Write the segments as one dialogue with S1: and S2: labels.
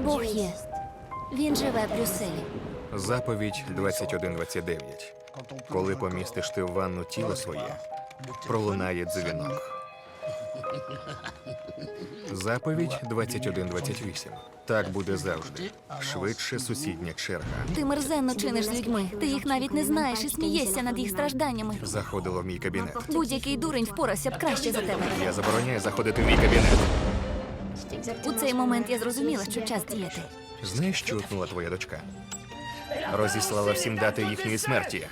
S1: Бог є. Він живе в Брюсселі.
S2: Заповідь 21:29. Коли помістиш ти в ванну тіло своє, пролунає дзвінок. Заповідь 21:28. Так буде завжди. Швидше сусідня черга.
S1: Ти мерзенно чиниш з людьми. Ти їх навіть не знаєш і смієшся над їх стражданнями.
S2: Заходила в мій кабінет.
S1: Будь-який дурень впорався б краще за тебе.
S2: Я забороняю заходити в мій кабінет.
S1: У цей момент я зрозуміла, що час діяти.
S2: Знаєш, що утнула твоя дочка? Розіслала всім дати їхньої смерті.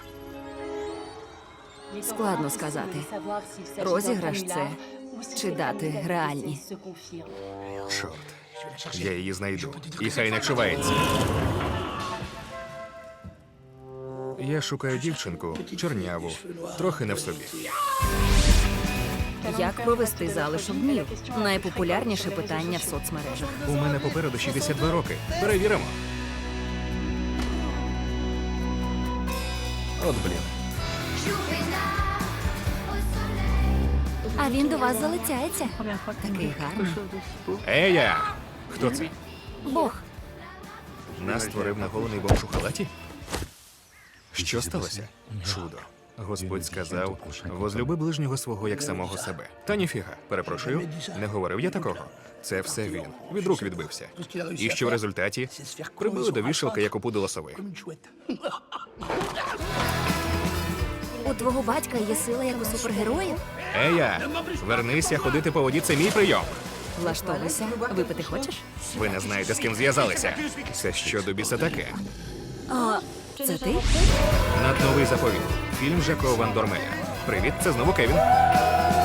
S3: Складно сказати. Розіграш це чи дати реальні.
S2: Чорт. Я її знайду. І хай не чувається. Я шукаю дівчинку, чорняву, трохи не в собі.
S3: Як провести залишок днів? Найпопулярніше питання в соцмережах.
S2: У мене попереду 62 роки. Перевіримо. От блін.
S1: А він до вас залицяється.
S3: Такий гарний.
S2: Ея! Хто це?
S1: Бог.
S2: Нас створив наголений бомж у халаті? Що сталося? Чудо. Господь сказав, возлюби ближнього свого як самого себе. Та ніфіга, перепрошую, не говорив я такого. Це все він. Від рук відбився. І що в результаті? Прибили до вішалки, як опудило сови.
S1: У твого батька є сила, як у супергероїв?
S2: Ея! Вернися ходити по воді, це мій прийом.
S3: Влаштовуйся. Випити хочеш?
S2: Ви не знаєте, з ким зв'язалися. Це що до біса таке?
S3: Це ти?
S2: Надновий заповіт. Фільм Жако Ван Дормеля. Привіт, це знову Кевін.